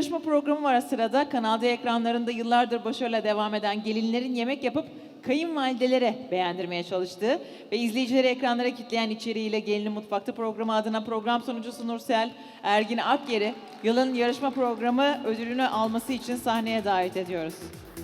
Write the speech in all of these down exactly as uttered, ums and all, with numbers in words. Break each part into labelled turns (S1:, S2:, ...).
S1: yarışma programı var sırada. Kanal D ekranlarında yıllardır başarıyla devam eden gelinlerin yemek yapıp kayınvalidelere beğendirmeye çalıştığı ve izleyicileri ekranlara kitleyen içeriğiyle Gelinin Mutfakta programı adına program sunucusu Nursel Ergin Akyer'i yılın yarışma programı ödülünü alması için sahneye davet ediyoruz.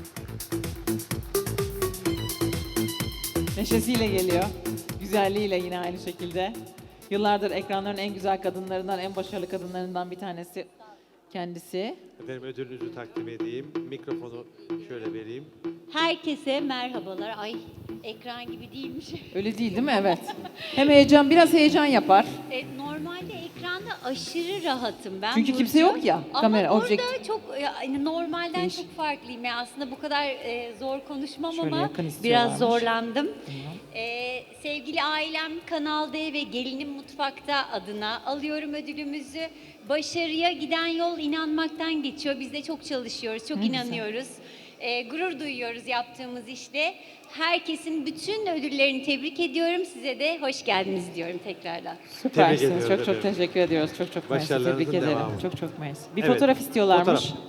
S1: Neşesiyle geliyor, güzelliğiyle yine aynı şekilde. Yıllardır ekranların en güzel kadınlarından, en başarılı kadınlarından bir tanesi kendisi.
S2: Efendim ödülünüzü takdim edeyim. Mikrofonu şöyle vereyim.
S3: Herkese merhabalar. Ay ekran gibi değilmiş.
S1: Öyle değil değil mi? Evet. Hem heyecan, biraz heyecan yapar.
S3: E, normalde ekranda aşırı rahatım ben.
S1: Çünkü
S3: Burcu.
S1: kimse yok ya,
S3: Ama
S1: kamera,
S3: burada
S1: objektif.
S3: çok yani normalden
S1: Değişik.
S3: çok farklıyım. Yani aslında bu kadar e, zor konuşmam
S1: Şöyle
S3: ama
S1: yakın istiyorlarmış.
S3: biraz zorlandım. E, sevgili ailem Kanal D ve Gelinin Mutfakta adına alıyorum ödülümüzü. Başarıya giden yol inanmaktan geçiyor. Biz de çok çalışıyoruz, çok
S1: Ne güzel.
S3: inanıyoruz. E, gurur duyuyoruz yaptığımız işte. Herkesin bütün ödüllerini tebrik ediyorum. Size de hoş geldiniz diyorum tekrardan.
S1: Süpersiniz.
S2: ediyoruz
S1: Çok çok
S2: efendim.
S1: teşekkür ediyoruz. Çok çok mersi.
S2: Başarılarınızın
S1: Tebrik ederim.
S2: devamı.
S1: Çok çok mersi. Bir
S2: Evet.
S1: fotoğraf istiyorlarmış.
S2: Fotoğraf.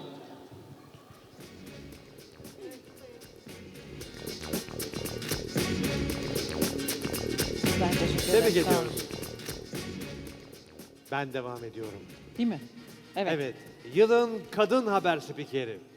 S1: Ben teşekkür
S2: Tebrik
S1: ederim. Sağ olun.
S2: ediyoruz. Ben devam ediyorum.
S1: Değil mi? Evet.
S2: Evet. Yılın kadın haber spikeri.